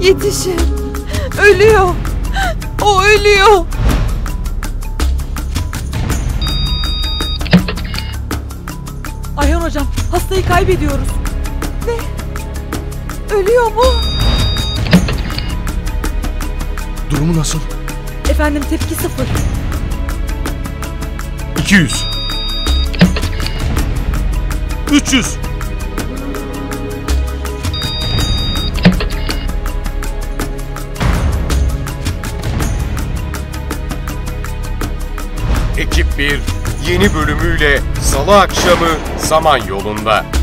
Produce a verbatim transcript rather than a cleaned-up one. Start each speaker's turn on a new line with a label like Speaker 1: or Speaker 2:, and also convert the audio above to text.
Speaker 1: Yetişin. Ölüyor. O ölüyor. Ayhan hocam, hastayı kaybediyoruz. Ne? Ölüyor mu?
Speaker 2: Durumu nasıl?
Speaker 1: Efendim, tepki sıfır.
Speaker 2: iki yüz. üç yüz.
Speaker 3: Ekip bir yeni bölümüyle Salı akşamı Samanyolu'nda.